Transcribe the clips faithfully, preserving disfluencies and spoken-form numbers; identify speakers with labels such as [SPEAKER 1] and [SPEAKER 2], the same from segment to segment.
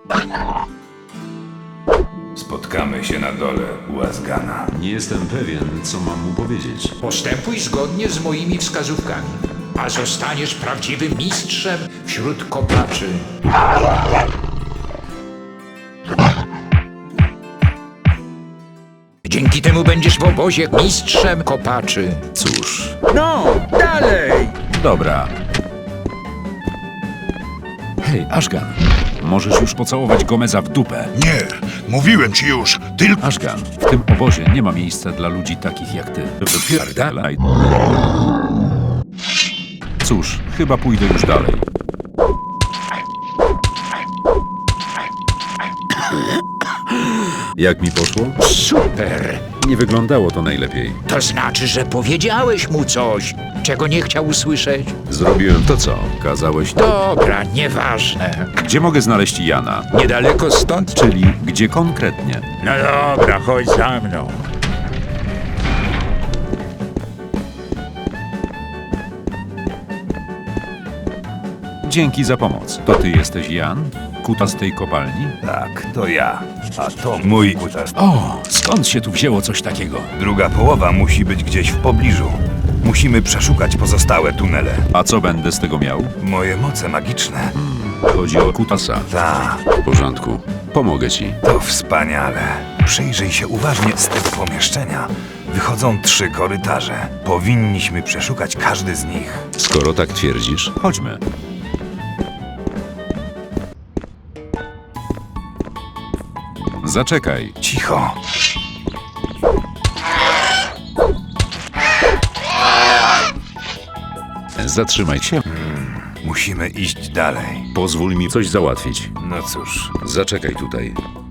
[SPEAKER 1] Spotkamy się na dole u Azgana.
[SPEAKER 2] Nie jestem pewien, co mam mu powiedzieć.
[SPEAKER 3] Postępuj zgodnie z moimi wskazówkami, a zostaniesz prawdziwym mistrzem wśród kopaczy. Dzięki temu będziesz w obozie mistrzem kopaczy.
[SPEAKER 2] Cóż,
[SPEAKER 4] No, dalej!
[SPEAKER 2] dobra. Hej, Ashgan, możesz już pocałować Gomeza w dupę.
[SPEAKER 5] Nie, mówiłem ci już, tylko...
[SPEAKER 2] Ashgan, w tym obozie nie ma miejsca dla ludzi takich jak ty. Wypierdalaj. Cóż, chyba pójdę już dalej. Jak mi poszło?
[SPEAKER 3] Super!
[SPEAKER 2] Nie wyglądało to najlepiej.
[SPEAKER 3] To znaczy, że powiedziałeś mu coś, czego nie chciał usłyszeć?
[SPEAKER 2] Zrobiłem to co? Kazałeś to.
[SPEAKER 3] Dobra, nieważne.
[SPEAKER 2] Gdzie mogę znaleźć Jana?
[SPEAKER 3] Niedaleko stąd?
[SPEAKER 2] Czyli gdzie konkretnie?
[SPEAKER 4] No dobra, chodź za mną.
[SPEAKER 2] Dzięki za pomoc. To ty jesteś Jan? Kuta z tej kopalni?
[SPEAKER 1] Tak, to ja. A to mój kutas.
[SPEAKER 2] O, skąd się tu wzięło coś takiego?
[SPEAKER 1] Druga połowa musi być gdzieś w pobliżu. Musimy przeszukać pozostałe tunele.
[SPEAKER 2] A co będę z tego miał?
[SPEAKER 1] Moje moce magiczne.
[SPEAKER 2] Chodzi o Kutasa.
[SPEAKER 1] Ta,
[SPEAKER 2] W porządku. Pomogę ci.
[SPEAKER 1] to wspaniale. Przyjrzyj się uważnie z tego pomieszczenia. Wychodzą trzy korytarze. Powinniśmy przeszukać każdy z nich.
[SPEAKER 2] Skoro tak twierdzisz, chodźmy. Zaczekaj.
[SPEAKER 1] Cicho.
[SPEAKER 2] Zatrzymaj się.
[SPEAKER 1] Musimy iść dalej.
[SPEAKER 2] Pozwól mi coś załatwić.
[SPEAKER 1] No cóż,
[SPEAKER 2] Zaczekaj tutaj.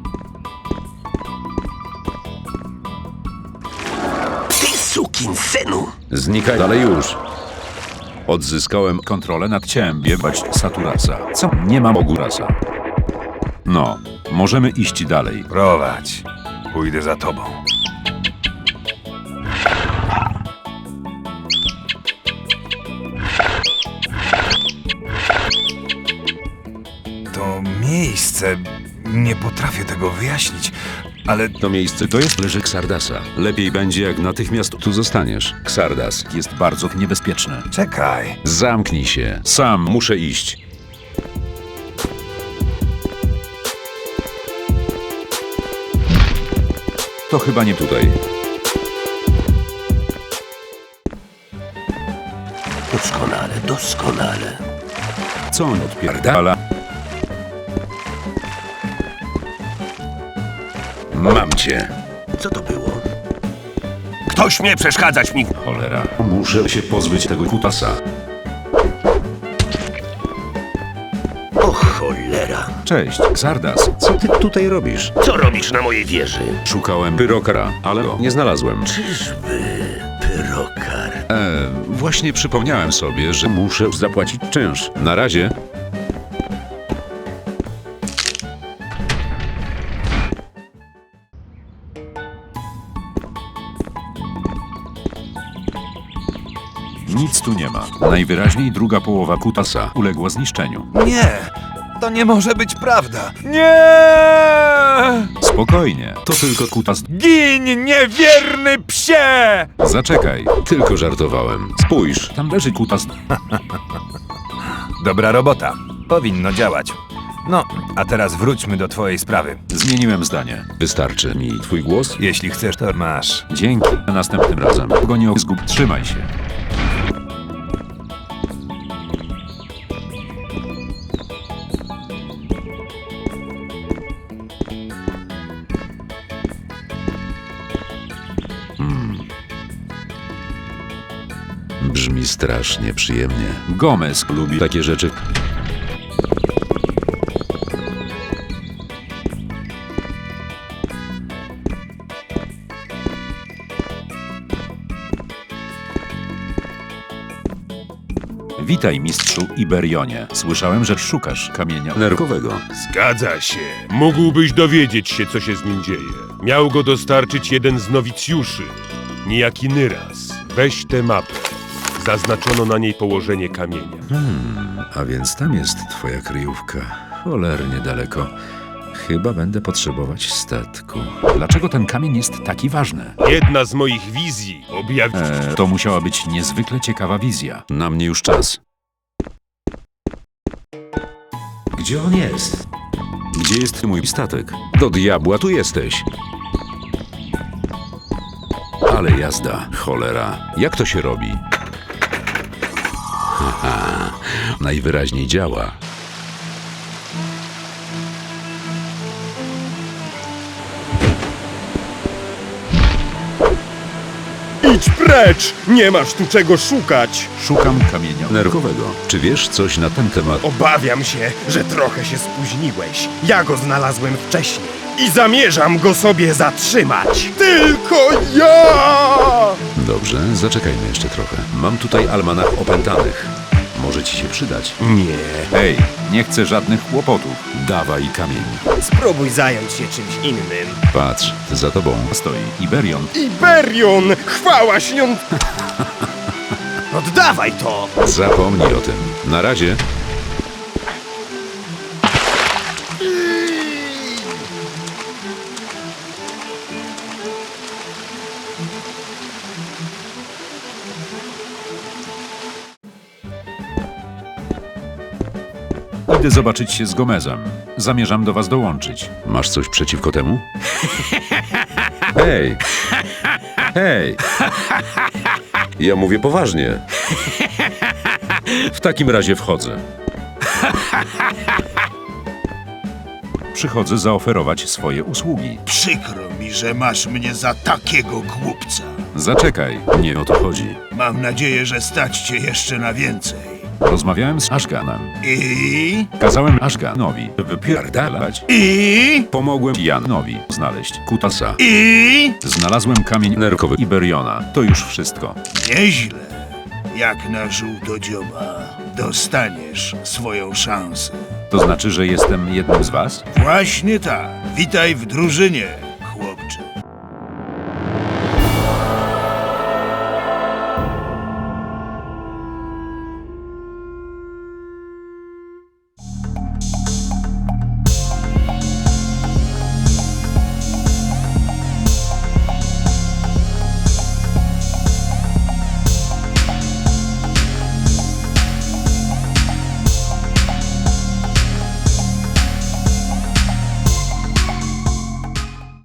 [SPEAKER 6] Ty sukinsynu!
[SPEAKER 2] Znikaj dalej już. Odzyskałem kontrolę nad ciałem biebać Saturasa. Co? Nie mam Ogurasa. No, możemy iść dalej.
[SPEAKER 1] prowadź. Pójdę za tobą. To miejsce... Nie potrafię tego wyjaśnić, ale
[SPEAKER 2] To miejsce to jest leży Xardasa. Lepiej będzie, jak natychmiast tu zostaniesz. Xardas jest bardzo niebezpieczny.
[SPEAKER 1] czekaj.
[SPEAKER 2] Zamknij się. Sam muszę iść. To chyba nie tutaj.
[SPEAKER 6] Doskonale, doskonale.
[SPEAKER 2] Co on odpierdala? Mam cię.
[SPEAKER 6] Co to było? Kto śmie przeszkadzać mi?
[SPEAKER 2] Cholera. Muszę się pozbyć tego kutasa.
[SPEAKER 6] O cholera!
[SPEAKER 2] Cześć, Xardas. Co ty tutaj robisz?
[SPEAKER 6] Co robisz na mojej wieży?
[SPEAKER 2] Szukałem pyrokara, ale go nie znalazłem.
[SPEAKER 6] Czyżby pyrokar?
[SPEAKER 2] E, właśnie przypomniałem sobie, że muszę zapłacić czynsz. Na razie. Nic tu nie ma. Najwyraźniej druga połowa kutasa uległa zniszczeniu.
[SPEAKER 1] Nie! To nie może być prawda!
[SPEAKER 2] Spokojnie, to tylko kutas.
[SPEAKER 4] Gin, niewierny psie!
[SPEAKER 2] Zaczekaj, tylko żartowałem. Spójrz, tam leży kutas.
[SPEAKER 1] Dobra robota. Powinno działać. No, a teraz wróćmy do twojej sprawy.
[SPEAKER 2] Zmieniłem zdanie. Wystarczy mi twój głos?
[SPEAKER 1] Jeśli chcesz, to masz.
[SPEAKER 2] Dzięki. Następnym razem. Go nie zgub. Trzymaj się. Brzmi strasznie przyjemnie. Gomez lubi takie rzeczy. Witaj, mistrzu Iberionie. Słyszałem, że szukasz kamienia nerkowego.
[SPEAKER 7] Zgadza się. Mógłbyś dowiedzieć się, co się z nim dzieje. Miał go dostarczyć jeden z nowicjuszy, niejaki Nyras. Weź tę mapę. Zaznaczono na niej położenie kamienia.
[SPEAKER 2] A więc tam jest twoja kryjówka. Cholernie daleko. Chyba będę potrzebować statku. Dlaczego ten kamień jest taki ważny?
[SPEAKER 7] Jedna z moich wizji objawi...
[SPEAKER 2] Eee, to musiała być niezwykle ciekawa wizja. Na mnie już czas. Gdzie on jest? Gdzie jest mój statek? Do diabła tu jesteś. Ale jazda, cholera. Jak to się robi? Haha, najwyraźniej działa.
[SPEAKER 8] Idź precz! Nie masz tu czego szukać!
[SPEAKER 2] Szukam kamienia nerkowego. Czy wiesz coś na ten temat?
[SPEAKER 8] Obawiam się, że trochę się spóźniłeś. Ja go znalazłem wcześniej i zamierzam go sobie zatrzymać. Tylko ja!
[SPEAKER 2] Dobrze, zaczekajmy jeszcze trochę. Mam tutaj almanach opętanych. Może ci się przydać.
[SPEAKER 8] Nie.
[SPEAKER 2] Hej, nie chcę żadnych kłopotów. Dawaj kamień.
[SPEAKER 8] Spróbuj zająć się czymś innym.
[SPEAKER 2] Patrz, za tobą stoi Iberion.
[SPEAKER 8] Iberion! Chwała śnią... Oddawaj to!
[SPEAKER 2] Zapomnij o tym. Na razie. Idę zobaczyć się z Gomezem. Zamierzam do was dołączyć. Masz coś przeciwko temu? Hej! Hej! Ja mówię poważnie. W takim razie wchodzę. Przychodzę zaoferować swoje usługi.
[SPEAKER 5] Przykro mi, że masz mnie za takiego głupca.
[SPEAKER 2] Zaczekaj, nie o to chodzi.
[SPEAKER 5] Mam nadzieję, że stać cię jeszcze na więcej.
[SPEAKER 2] Rozmawiałem z Ashganem.
[SPEAKER 5] I...
[SPEAKER 2] Kazałem Ashganowi wypierdalać.
[SPEAKER 5] I...
[SPEAKER 2] Pomogłem Janowi znaleźć kutasa.
[SPEAKER 5] I...
[SPEAKER 2] Znalazłem kamień nerkowy Iberiona. To już wszystko.
[SPEAKER 5] Nieźle. Jak na żółtodzioba. Dostaniesz swoją szansę.
[SPEAKER 2] To znaczy, że jestem jednym z was?
[SPEAKER 5] Właśnie tak. Witaj w drużynie.